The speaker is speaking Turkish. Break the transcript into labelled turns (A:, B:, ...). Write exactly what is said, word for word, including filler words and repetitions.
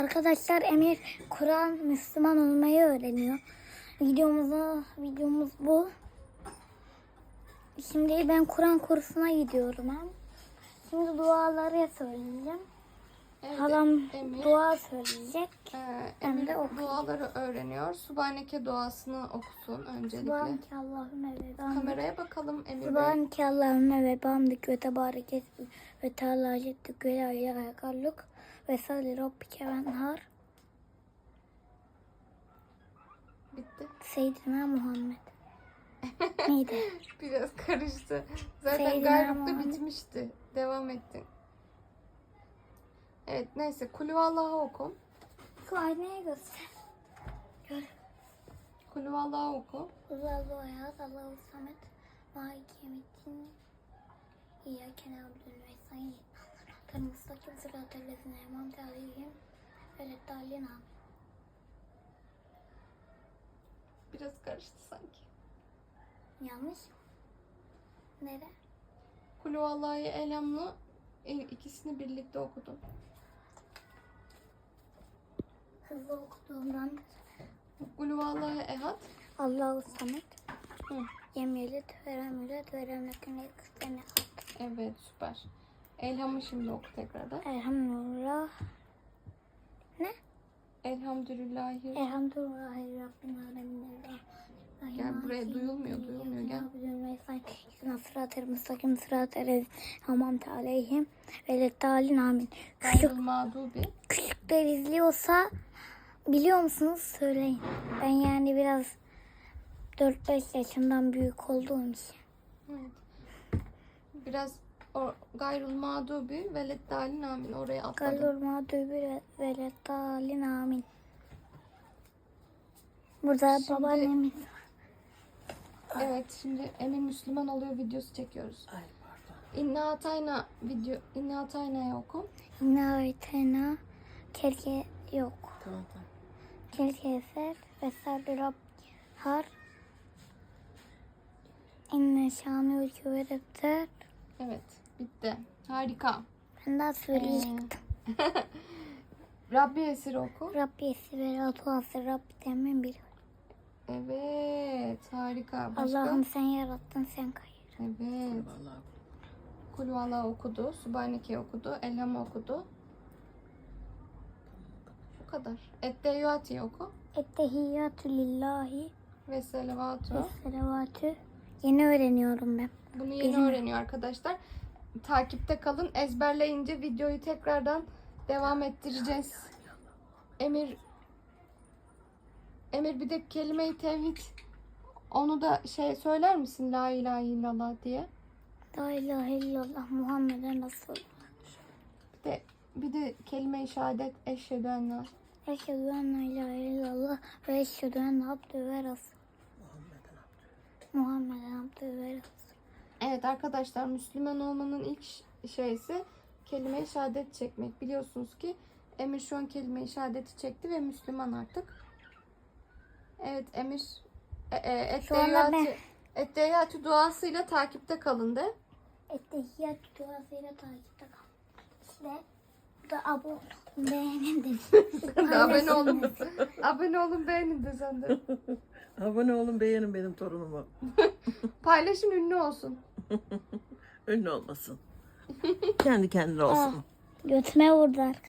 A: Arkadaşlar Emir Kur'an Müslüman olmayı öğreniyor. Videomuzu, videomuz bu. Şimdi ben Kur'an kursuna gidiyorum hem. Şimdi duaları söyleyeceğim.
B: Evet,
A: Halam
B: Emir,
A: dua söyleyecek.
B: e,
A: Ben
B: Emir
A: de okuyayım.
B: duaları öğreniyor. Subhaneke duasını okusun öncelikle.
A: Subhaneke Allahümme ve bihamdik.
B: Kameraya bakalım Emir Bey.
A: Subhaneke Allahümme ve bihamdik ve tebarek esmik ve teala ceddük ve la ilahe galluk ve salli rabbike venhar.
B: Bitti.
A: Seyyidina Muhammed. Neydi?
B: Biraz karıştı. Zaten
A: Seyyidina
B: Gayruk'ta
A: Muhammed.
B: bitmişti. Devam ettin. Evet neyse. Kulüvallah'ı oku.
A: Şu aynaya göster. Gör.
B: Kulüvallah'ı oku.
A: Allahu Ahad, Allahu Samet, Maliki Yevmiddin, İyyâke na'budu ve nestaîn. Sıratal mustakim, sıratal lezîne en'amte aleyhim ve'd-dâllîn.
B: Biraz karıştı sanki.
A: Yanlış mı? Nere?
B: Kulüvallah'ı Elham'la ikisini birlikte okudum.
A: Hızlı okuduğumdan
B: Kulüvallah'ı Ehad.
A: Allahu Samet,
B: Hı.
A: Lem yelid ve lem yulad ve lem yekun lehu kufuven ahad.
B: Evet süper. Elham'ı şimdi oku tekrardan.
A: Elhamdülillah. Ne?
B: Elhamdülillahi.
A: Elhamdülillahi Rabbil alemin.
B: Gel buraya, duyulmuyor, duyulmuyor, gel.
A: Sırat-ı müstakim, sırat-ı hamamte aleyhim ve leddâlin amin.
B: Gayrul
A: Küçük,
B: mağdubi.
A: küçükler izliyorsa biliyor musunuz söyleyin. Ben yani biraz dört beş yaşından büyük olduğum için.
B: Evet. Biraz o, gayrul mağdubi ve leddâlin amin. Oraya atladım.
A: Galur mağdubi ve leddâlin amin. Burada
B: Şimdi-
A: babaannemiz.
B: Evet şimdi Emir Müslüman oluyor videosu çekiyoruz.
C: Ay pardon.
B: İnna Atayna video. İnna Atayna'yı oku.
A: İnna ayetena kelke yok.
C: Tamam tamam.
A: Kelke eser ve sarı Rab har. İnne şanı ülke ve defter.
B: Evet bitti. Harika.
A: Ben daha söyleyecektim.
B: Ee, Rabbi Esir oku.
A: Rabbi esi ve ratuası Rabbi demin bir.
B: Evet harika. Başka?
A: Allah'ım sen yarattın sen kayır.
B: Evet.
C: Vallahi
B: Kulüvallah okudu. Subhaneke okudu. Elham okudu. Bu kadar. Etteyyati oku.
A: Ettehiyyatü lillahi
B: Ve
A: ve
B: selavatü.
A: selavatü. Yeni öğreniyorum ben.
B: Bunu yeni
A: Benim-
B: öğreniyor arkadaşlar. Takipte kalın. Ezberleyince videoyu tekrardan devam ettireceğiz. Emir Emir bir de kelime-i tevhid, onu da şey söyler misin? La ilahe illallah diye.
A: La ilahe illallah Muhammeden Resul.
B: Bir de bir de kelime-i şehadet eşhedü en la.
A: Eşhedü en la ilahe illallah ve eşhedü enne abdü ve resul.
C: Muhammed'in abdü.
A: Muhammeden abdü ve resul.
B: Evet arkadaşlar, Müslüman olmanın ilk ş- şeysi kelime-i şehadet çekmek. Biliyorsunuz ki Emir şu an kelime-i şehadeti çekti ve Müslüman artık. Evet Emir e, e,
A: Şu anda ben-
B: etteyyatü etteyyatü duasıyla takipte kalın de.
A: Ettehiyyatü duasıyla takipte kal. İşte bu da abone beğenin de.
B: abone olun. Abone olun, beğenin de sen de.
C: Abone olun, beğenin benim torunumu.
B: Paylaşın, ünlü olsun.
C: Ünlü olmasın. Kendi kendine olsun.
A: Götüme vurdu.